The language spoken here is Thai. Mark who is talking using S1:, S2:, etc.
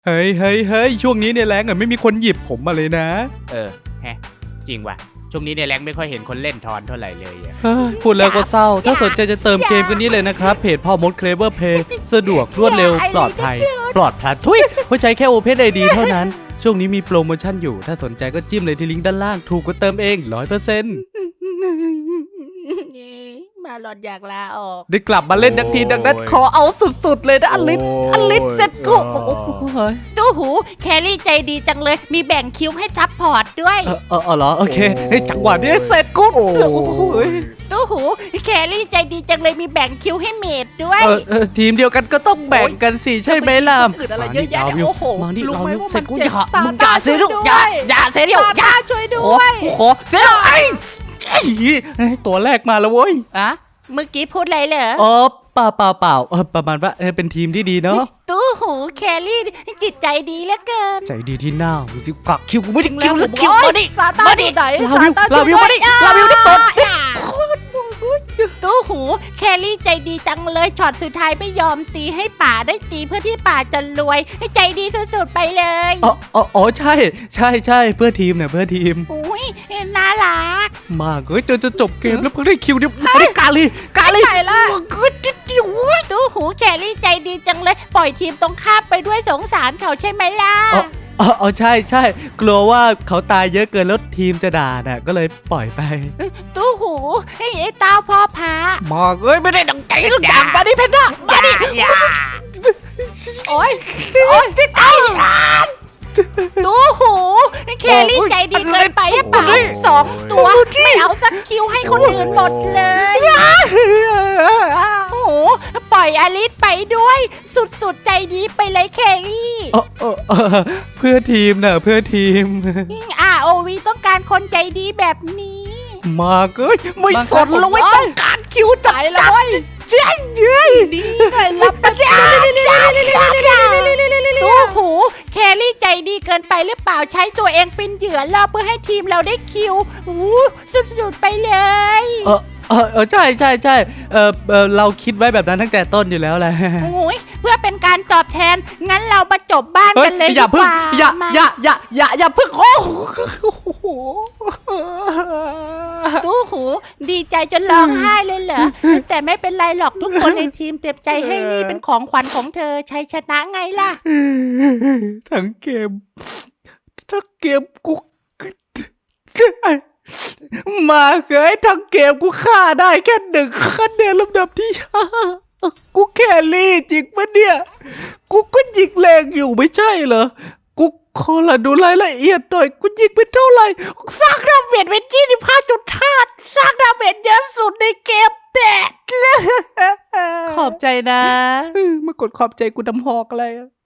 S1: เฮ้ยช่วงนี้ในแรงไม่มีคนหยิบผมมาเลยนะ
S2: แฮะจริงว่ะช่วงนี้ในแรงไม่ค่อยเห็นคนเล่นทอนเท่าไหร่เลยอะ
S1: พูดแล้วก็เศร้าถ้าสนใจจะเติมเกมกันนี้เลยนะครับเพจพ่อมดเคลเวอร์เพย์สะดวกรวดเร็วปลอดภัยทุยเพราะใช้แค่ Open ID เท่านั้นช่วงนี้มีโปรโมชั่นอยู่ถ้าสนใจก็จิ้มเลยที่ลิงก์ด้านล่างถูกกว่าเติมเอง 100%
S3: มาหลอดอยากลาออก
S1: ได้กลับมาเล่นทักทีดังนั้นขอเอาสุดๆเลยนะอลิสเซ็ตกู
S3: ตู้หูแครี่ใจดีจังเลยมีแบ่งคิวให้ซับพอร์ตด้วย
S1: เหรอโอเคจังหวะนี้เสร็จกู
S3: ตู้หูแครี่ใจดีจังเลยมีแบ่งคิวให้เมดด้วย
S1: ทีมเดียวกันก็ต้องแบ่งกันสิใช่ไหมล่ะ
S3: อะไรเยอะแยะโอ้โห
S1: รู้ไหมว่ามัน
S3: เจ็บ
S1: อย่าเสียลูกอย่าเสียเดียว
S3: อย่าช่วยด้วย
S1: ขอเสียไอ้ตัวแรกมาแล้วเว้ย
S3: เมื่อกี้พูดอะไรเหรอ
S1: เปล่าประมาณว่าเป็นทีมที่ดีเนาะ
S3: ตู้หูแครี่จิตใจดีเหลือเกิน
S1: ใจดีที่หน้าสิกักคิวกูไม่ได้คิวสักคิวมาดิ
S3: ซาต้าดีไหน
S1: ลาวิวมาดิลาวิวนี่เปิด
S3: ตู้หูแครี่ใจดีจังเลยช็อตสุดท้ายไม่ยอมตีให้ป่าได้ตีเพื่อที่ป่าจะรวยใจดีสุดๆไปเลย
S1: ใช่เพื่อทีมเนี่ยเพื่อทีม
S3: อุ้ยน่ารัก
S1: มากจนจะจบเกมแล้วเพิ่งได้คิวเนี่ยไม่ได้กาลี
S3: ใช่ละตู้หูแครี่ใจดีจังเลยปล่อยทีมตรงข้ามไปด้วยสงสารเขาใช่ไหมล่ะ
S1: ใช่กลัวว่าเขาตายเยอะเกินแล้วทีมจะด่าน่ะก็เลยปล่อยไป
S3: ตู้หูไอ้ตาพ่อพา
S1: มาไม่ได้ดังใจสักอย่างมาดิเพนด้ามาดิ
S3: โอ๊ยจะตายตู้หูแครี่ใจดีเกินไปเปล่า2 ตัวไม่เอาสักคิวให้คนอื่นหมดเลยโอ้โหปล่อยอลิสไปด้วยสุดๆใจดีไปเลยแครี่
S1: เพื่อทีมนะเพื่อทีม
S3: ROV ต้องการคนใจดีแบบนี้
S1: มาไม่สนเลยต้องการคิวจ่ายเลยเย้
S3: ดีรับไปตู้หูแครี่ใจดีเกินไปหรือเปล่าใช้ตัวเองเป็นเหยื่อล่อเพื่อให้ทีมเราได้คิวสุดๆไปเลย
S1: ใช่เราคิดไว้แบบนั้นตั้งแต่ต้นอยู่แล้วแหละ
S3: เพื่อเป็นการตอบแทนงั้นเรามาจบบ้านกันเลย
S1: ดีกว่าอย่าพึ่งโอ้โห
S3: ตู้หูดีใจจนร้องไห้เลยเหรอแต่ไม่เป็นไรหรอกทุกคนในทีมเต็มใจให้นี่เป็นของขวัญของเธอชัยชนะไงล่ะ
S1: ทั้งเกมกูมาทั้งเกมกูฆ่าได้แค่1 คะแนนลำดับที่5กูแครี่จริงปะเนี่ยกูก็ยิงแรงอยู่ไม่ใช่เหรอกูขอดูรายละเอียดหน่อยกูยิงไปเท่าไหร่
S3: สร้างดาเมจเป็น25.5สร้างดาเมจเยอะสุดในเกมแต่
S1: ขอบใจนะมากดขอบใจกูดำหอกอะไร